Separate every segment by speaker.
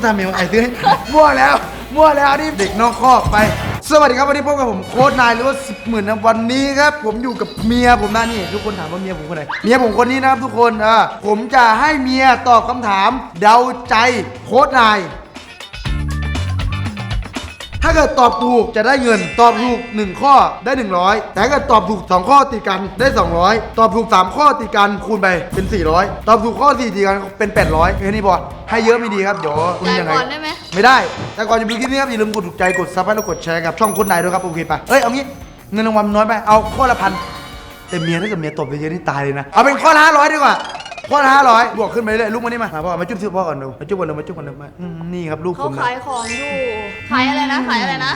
Speaker 1: ทำเมลไอ้ซื้อมั่วแล้วนี่เด็กนอกคอกไปสวัสดีครับวันนี้พบกับผมโค้ชนายหรือว่า10,000นะวันนี้ครับผมอยู่กับเมียผมนะนี่ทุกคนถามว่าเมียผมคนไหนเมียผมคนนี้นะครับทุกคนผมจะให้เมียตอบคำถามเดาใจโค้ชนายถ้าเกิดตอบถูกจะได้เงินตอบถูก1ข้อได้100แต่ถ้าเกิดตอบถูก2ข้อติดกันได้200ตอบถูก3ข้อติดกันคูณไปเป็น400ตอบถูกข้อ4ติดกันเป็น800แค่นี้พอให้เยอะไม่ดีครับเดี๋ยวคุณยังไงได้ไหมไม่ได้แต่ก่อนจะดูคลิปนี้ครับอย่าลืมกดถูกใจกดซับและกดแชร์กับช่องโค้ชนายด้วยครับโอเคปะเอางี้เงินรางวัลน้อยไปเอาข้อละ1,000แต่เมียถ้าเกิดเมียตบไปเยอะนี่ตายเลยนะเอาเป็นข้อละ500ดีกว่าข้อละ500บวกขึ้นไปเรื่อยลูกมานี่มาพ่อมาจุ๊บซื้อพ่อก่อนดูมาจุ๊บก่อนดูมานี่ครับลูกผม
Speaker 2: เขาขายของอยู่ขายอะไรนะ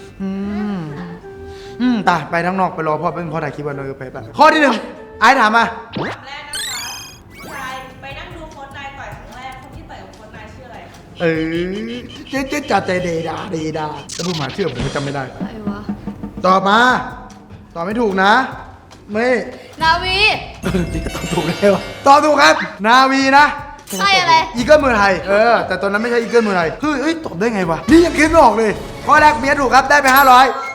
Speaker 1: ตายไปทั้งนอกไปรอพ่อเป็นพ่อถ่ายคลิปวันเลยไปข้อที่1ไอ้ถามมา
Speaker 3: คำแรกนะคะชายไปนั่งดูโค้ชนายต่อยครั้งแรกคนที่ต่อยกับโค้ชนายชื่ออะไรคะ
Speaker 1: เจ๊จัดใจเดดาแล้วผู้หมาเชื่อผมจำไม่ได้
Speaker 2: อะไรวะ
Speaker 1: ตอบมาตอบไม่ถูกนะไม่
Speaker 2: นาวี
Speaker 1: ตอบถูกได้วะตอบถูกครับนาวีนะ
Speaker 2: ใช่อะไร
Speaker 1: อีเกิลเมืองไทยแต่ตอนนั้นไม่ใช่อีเกิลเมืองไทยเฮ้ยตอบได้ไงวะนี่ยังคิดไม่ออกเลยข้อแรกเมียถูกครับได้ไป500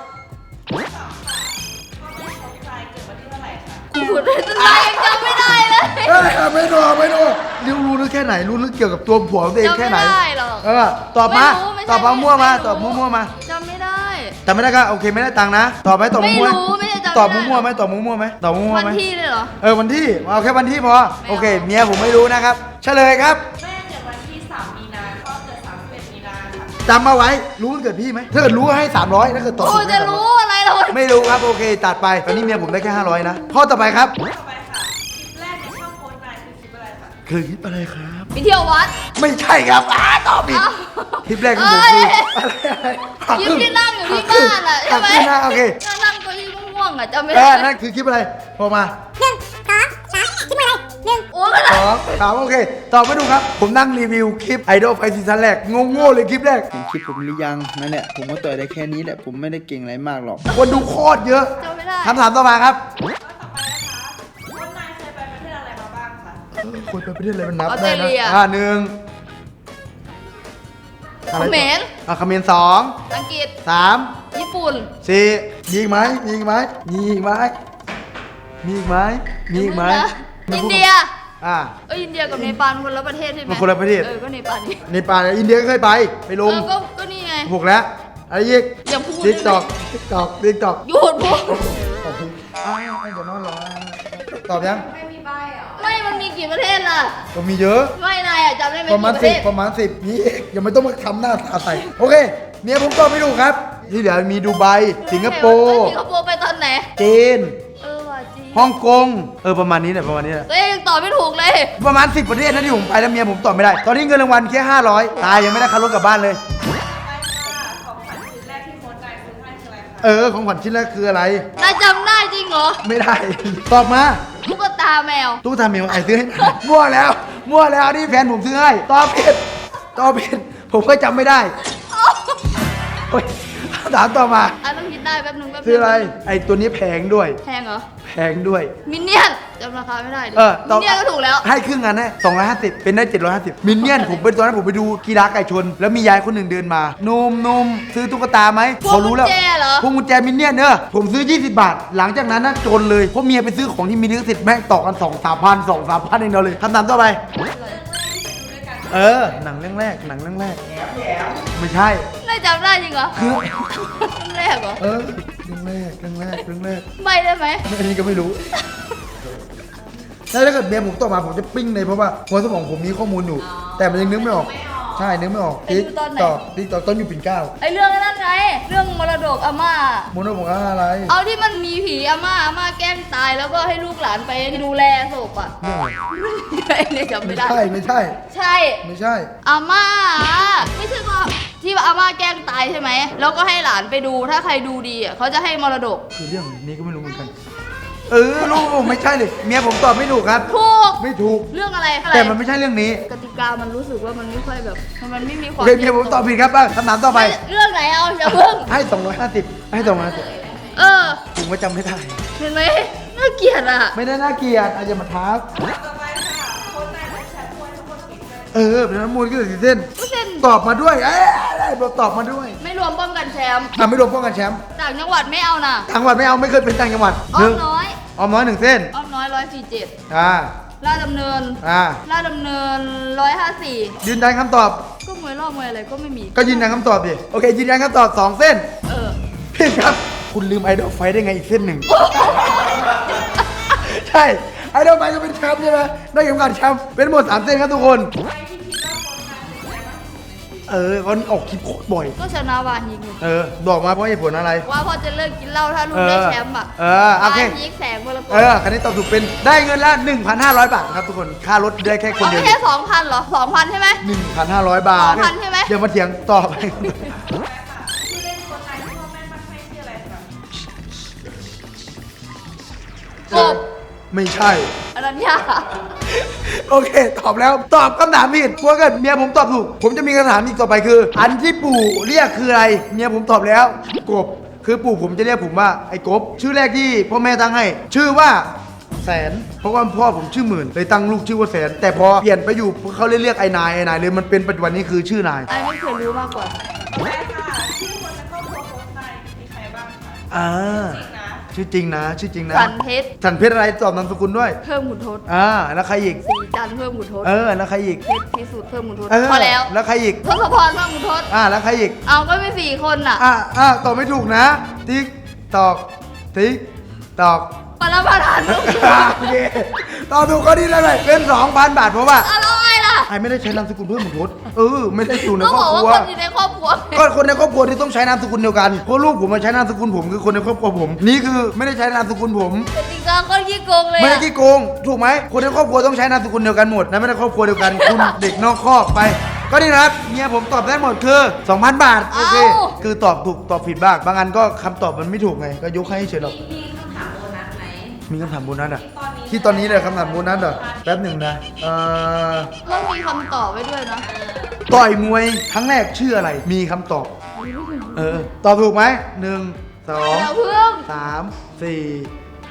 Speaker 2: กูพูดได้ตั้งแต่ยังจำไม่ได้เลย
Speaker 1: ไม่รู้ลึกแค่ไหนรู้ลึกเกี่ยวกับตัวผัวตัวเองแค่ไหน
Speaker 2: จำไม่ได้หรอก
Speaker 1: ตอบมาตอบมั่วมาตอบมั่วมา
Speaker 2: จำไม่ได้
Speaker 1: ก็โอเคไม่ได้ตังค์นะตอบไหมตอบมั่วตอบมั่วไหม
Speaker 2: วันที่เลยเหรอ
Speaker 1: วันที่เอาแค่วันที่พอโอเคเมียผมไม่รู้นะครับเฉลยครับ
Speaker 3: แม่เกิดวันที่3 มีนาพ่อเกิด31 มีนาค่ะ
Speaker 1: จำมาไว้รู้วันเกิดพี่ไหมถ้าเกิดรู้ให้300ถ้าเกิดตอบถูก
Speaker 2: จะรู้อะไรเรา
Speaker 1: ไม่รู้ครับโอเคตัดไปตอนนี้เมียผมได้แค่500นะข้อต่อไปครับ
Speaker 3: ต่อไปค่ะคลิปแรกในช่องโค้ชนายคือคลิปอะไรคะ
Speaker 1: คือคลิปอะไรครับ
Speaker 2: ไปเที่ยววัด
Speaker 1: ไม่ใช่ครับตอบผิดคลิปแรกของผมคืออะไร
Speaker 2: คลิปที่นั่งอยู่ที่บ้านอ่ะใช่ไหม
Speaker 1: โอเค
Speaker 2: นั่งตัวที่ม่วงอ่ะจำไม่ได้
Speaker 1: นั่นคือคลิปอะไรพอมา
Speaker 2: คลิปอะไร1 โอ้ย
Speaker 1: 2 3โอเคตอบไม่ถูกครับผมนั่งรีวิวคลิปไอดอลไฟซีซั่นแรกโง่เลยคลิปแรก
Speaker 4: เห็นคลิปผมหรือยังนั่นแหละผมก็ต่อยได้แค่นี้แหละผมไม่ได้เก่งอะไรมากหรอก
Speaker 1: คนดูโคตรเยอะ
Speaker 2: จำไม่ได้
Speaker 1: คำถามต่อมาครับ
Speaker 3: ต่อไปนะคะโค้ชนายเคยไปประเทศอะไรมาบ้างคะ
Speaker 1: คนไปประเทศอะไรมันนับ
Speaker 2: ได้
Speaker 1: นะ1
Speaker 2: เขมร
Speaker 1: เขมร2
Speaker 2: อังกฤษ
Speaker 1: 3
Speaker 2: ญี่ปุ่น
Speaker 1: 4มีอีกไหมอินเดีย
Speaker 2: อินเดียกับเนปาลคนละประเทศใช่ไหม
Speaker 1: คนละประเทศ
Speaker 2: ก็เนปาล
Speaker 1: อินเดียก็เคยไปลง
Speaker 2: ก็นี่ไง
Speaker 1: ถูกแล้วอะไรอีก
Speaker 2: อย่าพูด
Speaker 1: ติ๊กตอก
Speaker 2: หยุดพูด
Speaker 1: จะนอนรอตอบยัง
Speaker 2: ไม่มันมีกี่ประเทศล่ะ
Speaker 1: ก็มีเยอะ
Speaker 2: ไม่นายจำได้ไหม
Speaker 1: ประมาณ10นี่ยังไม่ต้องมาทำหน้าตาใส่โอเคเมียผมตอบไม่ถูกครับที่เหลือมีดูไบสิงคโปร์
Speaker 2: ไปตอนไหน
Speaker 1: จีน
Speaker 2: จีน
Speaker 1: ฮ่องกงประมาณนี้แหละ
Speaker 2: ยังตอบไม่ถูกเลย
Speaker 1: ประมาณ10ประเทศนะที่ผมไปแล้วเมียผมตอบไม่ได้ตอนนี้เงินรางวัลแค่500ตายยังไม่ได้ค่ารถกลับบ้านเลยของขวัญชิ้นแรกคืออะไร
Speaker 2: นายจำได้จริงเหรอ
Speaker 1: ไม่ได้ตอบมา
Speaker 2: ตุ๊กตาแมว
Speaker 1: ไอ้ซื้อให้มั่วแล้วนี่แฟนผมซื้อให้ตอบผิดผมก็จำไม่ได้ถามต่อมา
Speaker 2: ต้องคิดได้แป๊บนึง
Speaker 1: ซื้ออะไรไอ้ตัวนี้แพงด้วย
Speaker 2: แพงเหรอ
Speaker 1: แพงด้วย
Speaker 2: มินเนี่ยนจำราคาไม่ได้มินเนี่ยนก็ถูกแล้ว
Speaker 1: ให้ครึ่งงานได้250เป็นได้750มินเนี่ยนผมเป็นตอนนั้นผมไปดูกีฬาไก่ชนแล้วมียายคนหนึ่งเดินมานุ่มซื้อตุ๊กตาไหมเขารู้แล้วพวงกุญแจมินเนี่ยนผมซื้อ20 บาทหลังจากนั้นน่ะจนเลยเพราะเมียไปซื้อของที่มีลิขสิทธิ์แม่งต่อกัน2-3 พันเองเดียวเลยคำถามต่อไปหนังเรื่องแรกไม่ใช่
Speaker 2: นายจำได้จริงเหรอเรื่องแรกเหรอ
Speaker 1: เรื่องแรก
Speaker 2: ไม่ได้ไหม
Speaker 1: อันนี้ก็ไม่รู้ถ้าเกิดเมียผมตอบมาผมจะปิ้งเลยเพราะว่าหัวสมองผมมีข้อมูลอยู่แต่มันยังนึกไม่ออกใช่นึกไม่ออกติ๊กตอกต้นอยู่ปิ่นเกล้า
Speaker 2: ไอเรื่องนั้นไงเรื่องมรดกอาม่าม
Speaker 1: รดกอะไร
Speaker 2: เอาที่มันมีผีอาม่าแกล้งตายแล้วก็ให้ลูกหลานไปดูแลศพอ่ะเนี่ยจำไม่ได้
Speaker 1: ไม่ใช่
Speaker 2: อาม่าไม่ใช่ว่าที่อาม่าแกล้งตายใช่ไหมแล้วก็ให้หลานไปดูถ้าใครดูดีอ่ะเขาจะให้มรดก
Speaker 1: คือเรื่องนี้ก็ไม่รู้เหมือนกันลูกผมไม่ใช่เลยเมียผมตอบไม่ถูกครับไม่ถูก
Speaker 2: เรื่องอะไร
Speaker 1: แต่มันไม่ใช่เรื่องนี้
Speaker 2: กติกามันรู้สึกว่ามันไม่ค่อยแบบมันไม่มีความ
Speaker 1: เมียผมตอบผิดครับคำถามต่อไป
Speaker 2: เรื่องไหนเอาอย่าเพิ่ง
Speaker 1: ให้250ผมก็จำไม่ได้
Speaker 2: เห็นไหมน่าเกลียดอ่ะ
Speaker 1: ไม่ได้น่าเกลียดอาจจะมาทัก
Speaker 3: ต่อไปค่ะโค้ชนายเป็นแชมป์มวยทั้งหมดกี่เส้น
Speaker 1: เป็นน้ำมูลก็เลย4เส้น
Speaker 2: ก็เส้น
Speaker 1: ตอบมาด้วยบอกตอบมาด้วย
Speaker 2: ไม่รวมป้องกันแชมป์
Speaker 1: ไม่รวมป้องกันแชมป์
Speaker 2: ต่างจังหวัดไม่เอานะ
Speaker 1: ต่างจังหวัดไม่เอาไม่เคยเป็นต่างจังหวัด
Speaker 2: อ้
Speaker 1: ห
Speaker 2: อ
Speaker 1: นึ่
Speaker 2: ม
Speaker 1: ง
Speaker 2: น้อย
Speaker 1: ออมน้อย1เส้น
Speaker 2: อ้อมน้อย147
Speaker 1: อ่า
Speaker 2: ลาดดำเนิน
Speaker 1: อ่า
Speaker 2: ลาดดำเนิน154
Speaker 1: ยืนยันคำตอบ
Speaker 2: ก็มวยรอบมวยอะไรก็ไม่มี
Speaker 1: ก็ยืนยันคำตอบดิโอเคยืนยันคำตอบ2เส้น
Speaker 2: เออ
Speaker 1: ผิดครับ คุณลืมไอดอลไฟได้ไงอีกเส้นหนึ่ง ใช่ไอดอลไฟก็เป็นแชมป์ใช่ไหมได้เข็มขัดแชมป์เป็นหมด3เส้นครับทุกคน
Speaker 3: ใครที่คิดว่าโค้ชนายเป็นยังไงบ้างที่สุดในชีวิต
Speaker 1: เขาออกคลิปโคตรบ่อย
Speaker 2: ก็ชนะวาฮิก
Speaker 1: บอกมาเพราะเหตุผลอะไร
Speaker 2: ว่าพอจะเลิกกินเหล้าถ้าลุงได้แชมป์อ่ะ
Speaker 1: โอเค
Speaker 2: วาฮิกแสงมรกต
Speaker 1: คันนี้ตอบถูกเป็นได้เงินละ 1,500 บาทครับทุกคน ค่ารถได้แค่คน
Speaker 2: เอา
Speaker 1: เดียว
Speaker 2: แค่2,000เหรอ2,000ใช่ไหม
Speaker 1: 1,500 บาท
Speaker 2: 2,000ใช่ไหม
Speaker 1: เดี๋ยวมาเถียงตอบไป
Speaker 3: ใช่ค่ะชื่อเล่นโค้ชนายที่พ่อแม่ตั้งให้ชื่ออะไรคะ
Speaker 2: กบ
Speaker 1: ไม่ใช่
Speaker 2: อนัญญา
Speaker 1: โอเค ตอบแล้ว ตอบคำถามผิดเพราะเกิดเมียผมตอบถูก ผมจะมีคำถามอีกต่อไปคือ อันที่ปู่เรียกคืออะไร เมียผมตอบแล้ว กบ คือปู่ผมจะเรียกผมว่าไอ้กบ ชื่อแรกที่พ่อแม่ตั้งให้ ชื่อว่าแสน เพราะว่าพ่อผมชื่อหมื่น เลยตั้งลูกชื่อว่าแสน แต่พอเปลี่ยนไปอยู่เขาเลยเรียกไอ้นายเลยมันเป็นปัจจุบันนี้คือชื่อนาย
Speaker 2: ไอ้ไม่เคยรู้มากกว่า
Speaker 3: ใช่ค่ะชื่อคนในครอบครัวโค้ชนายมีใครบ้างคะ
Speaker 1: อ่า
Speaker 3: จริงนะ
Speaker 1: ชื่อจริงนะ
Speaker 2: สันเพชร
Speaker 1: สันเพชรอะไรตอบนามสกุลด้วย
Speaker 2: เพิ่มขุนทศ
Speaker 1: แล้วใครอีก
Speaker 2: สีจันทร์เพิ่มขุนทศ
Speaker 1: แล้วใครอีก
Speaker 2: เพชรพิสุทธิ์เพิ่มขุนทศ
Speaker 1: เออ
Speaker 2: พอแล้ว
Speaker 1: แล้วใครอีก
Speaker 2: ทศพรเพิ่มขุนทศ
Speaker 1: แล้วใครอีก
Speaker 2: เอาก็มี4คนน่ะ
Speaker 1: ตอบไม่ถูกนะ ติ๊กตอก ติ๊กตอก
Speaker 2: ปรมาทานลูก
Speaker 1: โอเคตอบถูกก็ดีแล้วเลยเป็น 2,000 บาทเพราะว่า
Speaker 2: อะไรล่ะ
Speaker 1: ไอ้ไม่ได้ใช้นามสกุลเพิ่มหมดทศไม่ได้อยู่ใน
Speaker 2: ก็
Speaker 1: คร
Speaker 2: บ
Speaker 1: อ
Speaker 2: อบ ก
Speaker 1: ค
Speaker 2: ว่า
Speaker 1: รัว
Speaker 2: คนอยู่ในครอบครัว
Speaker 1: ก็คนในครอบครัวที่ต้องใช้นามสกุลเดียวกันเพราะลูกผมมาใช้นามสกุลผมคือคนในครอบครัวผม นี่คือไม่ได้ใช้นามสกุลผม
Speaker 2: แต่จริงๆก็ขี้โกงเลย
Speaker 1: ไม่ได้
Speaker 2: อะ
Speaker 1: ขี้โกง ถูกไหมคนในครอบครัวต้องใช้นามสกุลเดียวกันหมดนะไม่ได้ครอบครัวเดียวกัน คุณ เด็กนอกคอกไป ก็นี่นะครับเมียผมตอบได้หมดคือ 2,000 บาทโอเคคือตอบถูกตอบผิดบ้างบางอันก็คำตอบมันไม่ถูกไงก็ยกให้เฉยหรอก
Speaker 3: มีคำถามโบนัสไหม
Speaker 1: มีคำถามโบนัสอ่ะ
Speaker 3: ที่
Speaker 1: ที่ต
Speaker 3: ต
Speaker 1: อ
Speaker 3: อน นนี้
Speaker 1: นี้เลยคำถามโบนัสเหรอแป๊บหนึ่งนะ
Speaker 2: ต้องมีคำตอบไว้ด้วยนะ
Speaker 1: ต่อยมวยครั้งแรกชื่ออะไร มีคำตอบ ตอบถูกไหม1
Speaker 2: อย่า
Speaker 1: 2
Speaker 2: เพิ่ง
Speaker 1: 3 4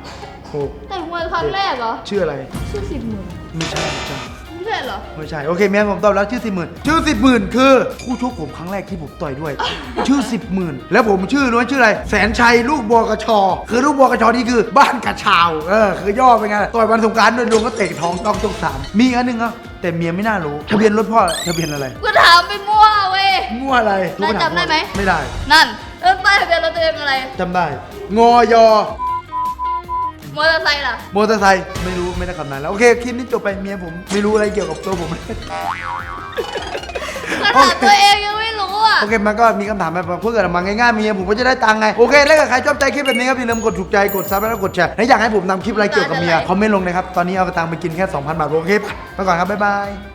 Speaker 1: 5 6
Speaker 2: แต่มวยครั้งแรกเหรอ
Speaker 1: ชื่ออะไร
Speaker 2: ชื่อ10,000
Speaker 1: ไม่ใช่ไม่ใช่
Speaker 2: ไม่ใช่เหรอ
Speaker 1: ไม่ใช่โอเคเมียผมตอบแล้วชื่อ10,000ชื่อ10,000คือคู่ชกผมครั้งแรกที่ผมต่อยด้วย ชื่อ10,000แล้วผมชื่อรู้ไหมชื่ออะไรแสนชัยลูกบัวกระชอ คือลูกบัวกระชอนี่คือบ้านกระชาวคือย่อไปไงต่อยวันสงกรารโดยดวงก็เตะท้องต้องสามมีอีกอันหนึงอ่ะแต่เมียไม่น่ารู้ทะเบียนรถพ่อทะเบียนอะไร
Speaker 2: กูถามไปมั่วเว้ย
Speaker 1: มั่วอะไร
Speaker 2: นายจำได้ไหม
Speaker 1: ไม่ได้
Speaker 2: นั่นเริ่มป้ายทะเบียนรถตัวเองอะไร
Speaker 1: จำได้งอยอ
Speaker 2: มอเตอร์ไซค์ล่ะ
Speaker 1: มอเตอร์ไซค์ไม่รู้ไม่ได้คำนั้นแล้วโอเคคลิปนี้จบไปเมียผมไม่รู้อะไรเกี่ยวกับตัวผมเลย
Speaker 2: ก็ถามตัวเองยังไม่รู้อ่ะ
Speaker 1: โอเคมันก็มีคำถามแบบเพื่อเกิดมาง่ายๆเมียผมก็จะได้ตังค์ไงโอเคแล้วถ้าใครชอบใจคลิปแบบนี้ครับอย่าลืมกดถูกใจกดซับแล้วก็กดแชร์และอยากให้ผมทำคลิปอะไรเกี่ยวกับเมียคอมเมนต์ลงนะครับตอนนี้เอาตังค์ไปกินแค่ 2,000 บาทโอเคไปก่อนครับบ๊ายบาย